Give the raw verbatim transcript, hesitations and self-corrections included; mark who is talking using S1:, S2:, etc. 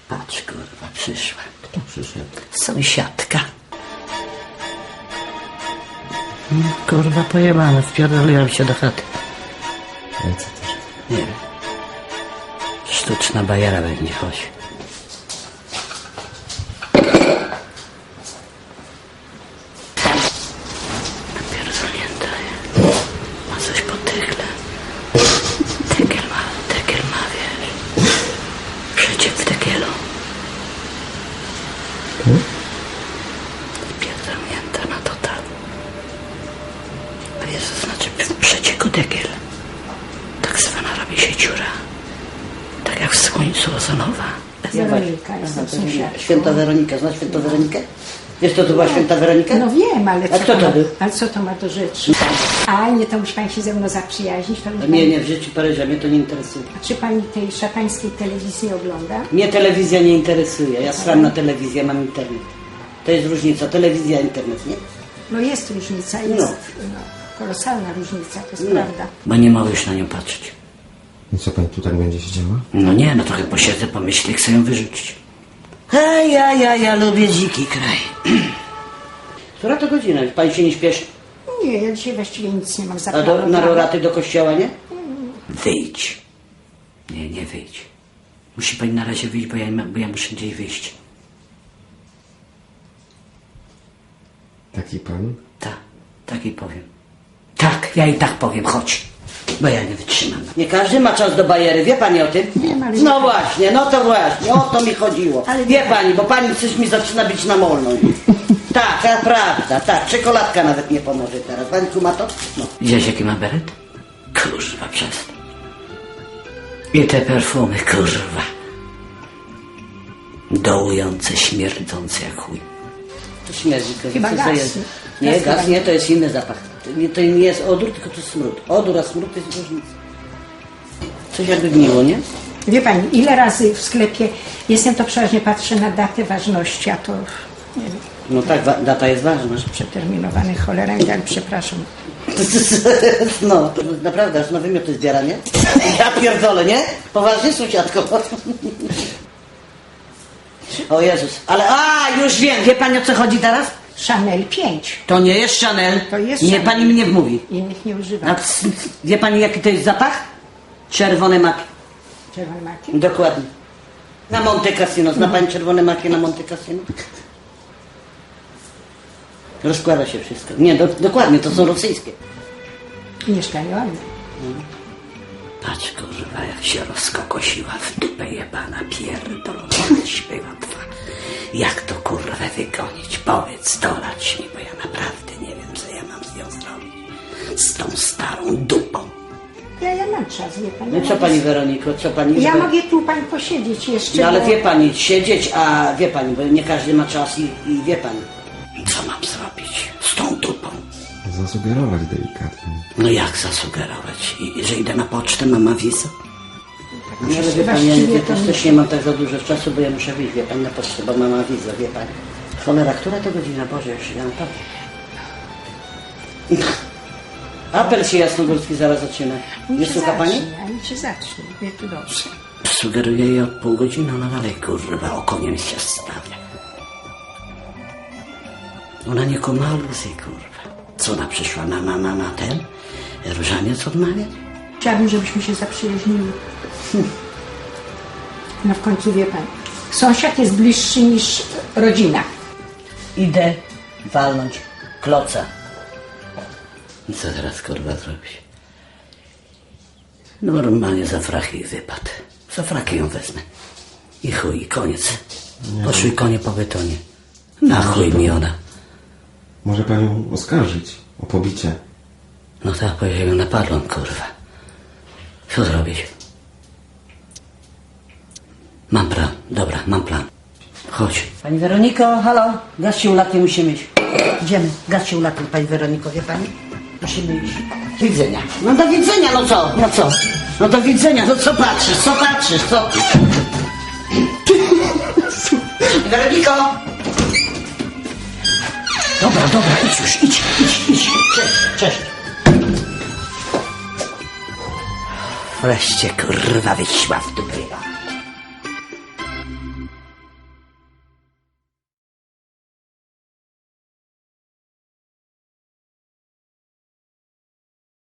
S1: Patrz, kurwa, przyszła.
S2: Kto przyszedł?
S1: Sąsiadka. No, kurwa, pojebane, wpierdoliłam się do chaty.
S2: Ale co też?
S1: Nie wiem. Sztuczna bajera będzie, chodź. Napierdolnięta. Ma coś po tygle. Tegiel ma, tegiel ma, wiesz. Przeciek w tegielu.
S2: Hmm?
S1: Napierdolnięta na total. A jest to znaczy w przecieku tegiel. Tak zwana robi się dziura. Tak jak w słońcu ozonowa.
S3: Weronika, jestem sąsiadką.
S1: Święta Weronika, znasz Świętą Weronikę? Wiesz, kto to była Święta Weronika?
S3: No wiem, ale
S1: A
S3: co,
S1: kto
S3: to
S1: to
S3: ma,
S1: był?
S3: ale co to ma do rzeczy? A nie, to musi pani się ze mną zaprzyjaźnić. To musi
S1: Nie,
S3: pani...
S1: nie, w życiu Paryża, mnie to nie interesuje.
S3: A czy pani tej szatańskiej telewizji ogląda?
S1: Mnie telewizja nie interesuje. Ja sram na telewizję, mam internet. To jest różnica, telewizja, internet, nie?
S3: No jest różnica, jest
S1: No.
S3: no, kolosalna różnica, to jest
S1: No.
S3: prawda.
S1: Bo nie mogę już na nią patrzeć.
S2: I co, pani tu tak będzie siedziała?
S1: No nie, no trochę posiedzę, pomyślę, chcę ją wyrzucić. A ja, ja, ja lubię dziki kraj. Która to godzina? Pani się nie śpieszy?
S3: Nie, ja dzisiaj właściwie nic nie mam
S1: A do,
S3: zaplanowane.
S1: na roraty do kościoła, nie? Wyjdź. Nie, nie wyjdź. Musi pani na razie wyjść, bo ja, bo ja muszę gdzieś wyjść.
S2: Taki pan?
S1: Tak, tak i powiem. Tak, ja i tak powiem, chodź. Bo ja nie wytrzymam. Nie każdy ma czas do bajery, wie pani o tym?
S3: Wiem, ale-
S1: No właśnie, no to właśnie, o to mi chodziło.
S3: Ale-
S1: Wie pani, bo pani coś mi zaczyna być na molno. Tak, to prawda, tak, czekoladka nawet nie pomoże teraz. Pani kuma to? No. Widziałeś jaki ma beret? Kurwa, przestań. I te perfumy, kurwa. Dołujące, śmierdzące jak chuj. To śmierdzi, to
S3: Chyba
S1: co
S3: gaz.
S1: to jest? Nie,
S3: Gaz
S1: gaz
S3: chyba
S1: nie,
S3: nie.
S1: to jest inny zapach. To nie, to nie jest odór, tylko to smród. Odór, a smród to jest różnica. Coś jakby gniło, nie?
S3: Wie pani, ile razy w sklepie jestem, to przeważnie patrzę na datę ważności, a to nie wiem,
S1: No tak, wa- data jest ważna.
S3: przeterminowany cholera, ale przepraszam.
S1: No, to naprawdę, aż na wymioty zbiera, nie? Ja pierdolę, nie? Poważnie, sąsiadko? O Jezus, ale a, już wiem, wie pani o co chodzi teraz?
S3: Chanel pięć.
S1: To nie jest Chanel.
S3: To jest
S1: Nie,
S3: Chanel.
S1: pani mnie wmówi.
S3: Innych nie używam.
S1: A c- wie pani jaki to jest zapach? Czerwone maki.
S3: Czerwony maki?
S1: Dokładnie. Na Monte Cassino. Zna pani czerwone maki na Monte Cassino? Rozkłada się wszystko. Nie, do, dokładnie, to są rosyjskie.
S3: Mieszkanie ładne.
S1: Patrz, kurwa, jak się rozkokosiła w dupę jebana, pierdolona, śpiewa twa. Jak to, kurwa, wygonić? Powiedz, dolać mi, bo ja naprawdę nie wiem, co ja mam z nią zrobić. Z tą starą dupą.
S3: Ja, ja mam czas, wie pani.
S1: No i co pani, Weroniko, co pani...
S3: Ja
S1: żeby-
S3: mogę tu pani posiedzieć jeszcze.
S1: No ale
S3: bo-
S1: wie pani, siedzieć, a wie pani, bo nie każdy ma czas i, i wie pani. Co mam zrobić z tą dupą?
S2: Zasugerować delikatnie.
S1: No jak zasugerować? I, że idę na pocztę, mama wizę? No ale wie pani, ja,
S3: Właściwie
S1: ja
S3: to
S1: też,
S3: nie-
S1: też nie mam tak za dużo czasu, bo ja muszę wyjść, wie pani, na pocztę, bo mama wizę, wie pani. Cholera, która to godzina? Boże, już ja naprawdę. Apel się jasnogórski zaraz zaczyna. Nie
S3: Niech się
S1: słucha pani?
S3: zacznie, a niech się zacznie. Wie tu dobrze.
S1: Sugeruję jej od pół godziny, no dalej, kurwa, okoniem się stawia. Ona nie kuma aluzji, kurwa. Co ona przyszła na, na, na, na ten? Różaniec odmawiać?
S3: Chciałabym, żebyśmy się zaprzyjaźnili. No w końcu wie pani. Sąsiad jest bliższy niż rodzina.
S1: Idę walnąć kloca. I co teraz, kurwa, zrobić? Normalnie za fraki wypadł. Za fraki ją wezmę. I chuj, i koniec. Poszły konie po betonie. Na chuj mi ona.
S2: Może panią oskarżyć o pobicie.
S1: No tak, powiedziałem, ją napadłem, kurwa. Co zrobić? Mam plan, dobra, mam plan. Chodź. Pani Weroniko, halo, gaz się ulatnie, musimy iść. Idziemy, gaz się ulatnie, pani Weroniko, wie pani? Musimy iść. Do widzenia. No do widzenia, no co? No co? No do widzenia, no co patrzysz, co patrzysz, co? Weroniko! Dobra, dobra, idź już, idź, idź, idź. Cześć, cześć. Wreszcie, kurwa, wyszła w dupę.